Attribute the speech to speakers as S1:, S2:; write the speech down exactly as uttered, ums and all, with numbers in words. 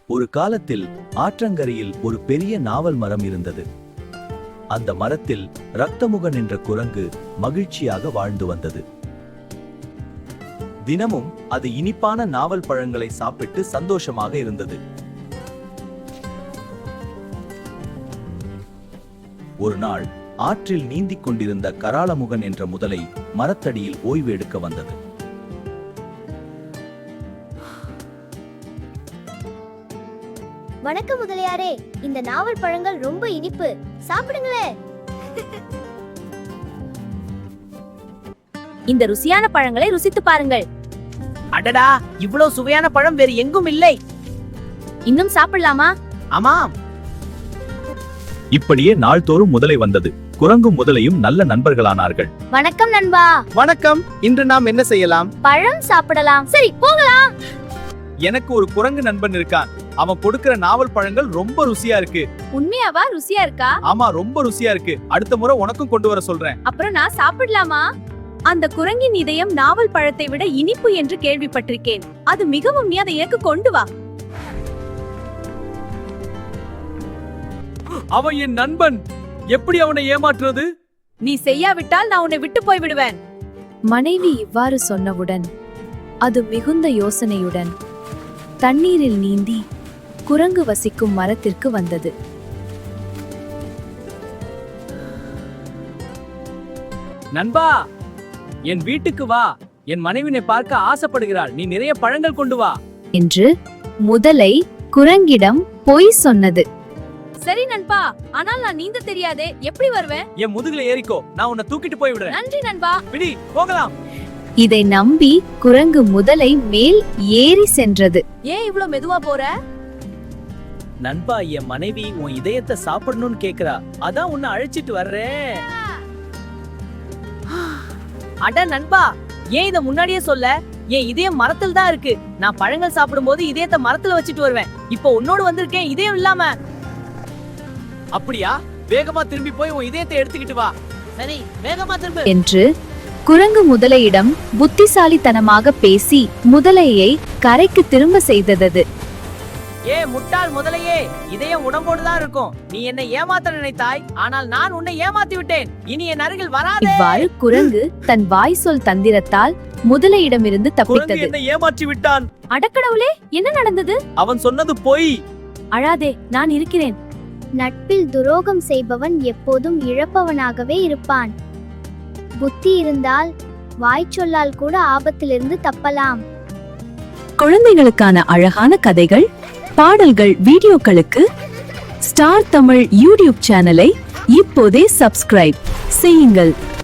S1: ஒரு காலத்தில் ஆற்றங்கரையில் ஒரு பெரிய நாவல் மரம் இருந்தது. அந்த மரத்தில் ரத்தமுகன் என்ற குரங்கு மகிழ்ச்சியாக வாழ்ந்து வந்தது. தினமும் அது இனிப்பான நாவல் பழங்களை சாப்பிட்டு சந்தோஷமாக இருந்தது. ஒரு நாள் ஆற்றில் நீந்திக் கொண்டிருந்த கராளமுகன் என்ற முதலை மரத்தடியில் ஓய்வு எடுக்க வந்தது.
S2: வணக்கம் முதலியாரே, இந்த நாவல் பழங்கள் ரொம்ப இனிப்பு, சாப்பிடுங்களே.
S3: இந்த ருசியான பழங்களை ருசித்து பாருங்கள்.
S4: அடடா, இவ்வளவு சுவையான பழம் வேறு எங்கும் இல்லை.
S3: இன்னும் சாப்பிடலாமா?
S4: ஆமாம்.
S1: இப்படியே நாள்தோறும் முதலை வந்தது. குரங்கும் முதலையும் நல்ல நண்பர்களானார்கள்.
S3: வணக்கம் நண்பா.
S4: வணக்கம். இன்று நாம் என்ன செய்யலாம்?
S3: பழம் சாப்பிடலாம். சரி, போகலாம்.
S1: எனக்கு ஒரு குரங்கு நண்பன் இருக்கான். அவன் கொடுக்கிற நாவல் பழங்கள் ரொம்ப ருசியா இருக்கு.
S3: உண்மையாவா? ருசியா இருக்கா?
S1: ஆமா, ரொம்ப ருசியா இருக்கு. அடுத்த முறை உனக்கும் கொண்டு வர சொல்றேன்.
S3: அப்புறம் நான் சாப்பிடலாமா? அந்த குரங்கின் இதயம் நாவல் பழத்தை விட இனிப்பு என்று கேள்விப்பட்டிருக்கேன். அது மிகவும் நீ அதை ஏற்க கொண்டு வா.
S5: அவன் என் நண்பன். எப்படி அவனை ஏமாற்றுறது?
S3: நீ செய்யாவிட்டால் நான் உன்னை விட்டு போய் விடுவேன்.
S6: மனைவி இவ்வாறு சொன்னவுடன் அது மிகுந்த யோசனையுடன் தண்ணீரில் நீந்தி குரங்கு வசிக்கும் மரத்திற்கு வந்தது.
S5: நண்பா, என் வீட்டுக்கு வா. என் மனைவினை பார்க்க ஆசைப்படுகிறாள். நீ நிறைய பழங்கள் கொண்டு வா
S6: என்று முதலை குரங்கிடம் பொய் சொன்னது.
S3: சரி நண்பா, ஆனால் நான் நீந்த தெரியாதே, எப்படி வருவேன்?
S5: என் முதுகுல ஏறிக்கோ, நான் உன்னை தூக்கிட்டு போய் விடுறேன்.
S3: நன்றி நண்பா.
S5: பிடி, போகலாம்.
S6: இதை நம்பி குரங்கு முதலை மேல் ஏறி சென்றது.
S3: ஏன் இவ்ளோ மெதுவா போற?
S5: நண்பா, என் மனைவி உன் இதயத்தை சாப்பிடணும்னு கேக்குறா. அதான் உன்னை அழைச்சிட்டு வர்றேன்.
S4: அட நண்பா, ஏன் இத முன்னாடியே சொல்ல? என் இதயம் மரத்தில் தான் இருக்கு. நான் பழங்கள் சாப்பிடும் போது இதயத்தை மரத்துல வச்சுட்டு வருவேன். இப்போ உன்னோடு வந்திருக்கேன் இதயம் இல்லாம.
S5: அப்படியா? வேகமா திரும்பி போய் உன் இதயத்தை எடுத்துக்கிட்டு வா.
S4: சரி, வேகமா திரும்ப.
S6: என்று குரங்கு முதலையிடம் புத்திசாலித்தனமாக பேசி முதலையை கரைக்கு திரும்ப செய்தது.
S4: ஏ முட்டாள் முதலையே, இதயம் உடம்போடுதான் இருக்கும். நீ என்னை ஏமாத்த நினைத்தாய், ஆனால் நான் உன்னை ஏமாத்தி விட்டேன். இனி என் அருகில் வராதே.
S6: இவ்வாறு குரங்கு தன் வாய் சொல் தந்திரத்தால் முதலையிடமிருந்து தப்பித்தது.
S5: என்னை ஏமாற்றி விட்டான்.
S6: அடக்கடவுளே, என்ன நடந்தது?
S5: அவன் சொன்னது பொய்.
S6: அழாதே, நான் இருக்கிறேன்.
S2: நட்பில் துரோகம் செய்பவன் எப்போதும் இழப்பவனாகவே இருப்பான். புத்தி இருந்தால் வாய்ச்சொல்லால் கூட ஆபத்திலிருந்து தப்பலாம்.
S6: குழந்தைகளுக்கான அழகான கதைகள், பாடல்கள், வீடியோக்களுக்கு ஸ்டார் தமிழ் யூடியூப் சேனலை இப்போதே சப்ஸ்கிரைப் செய்யுங்கள்.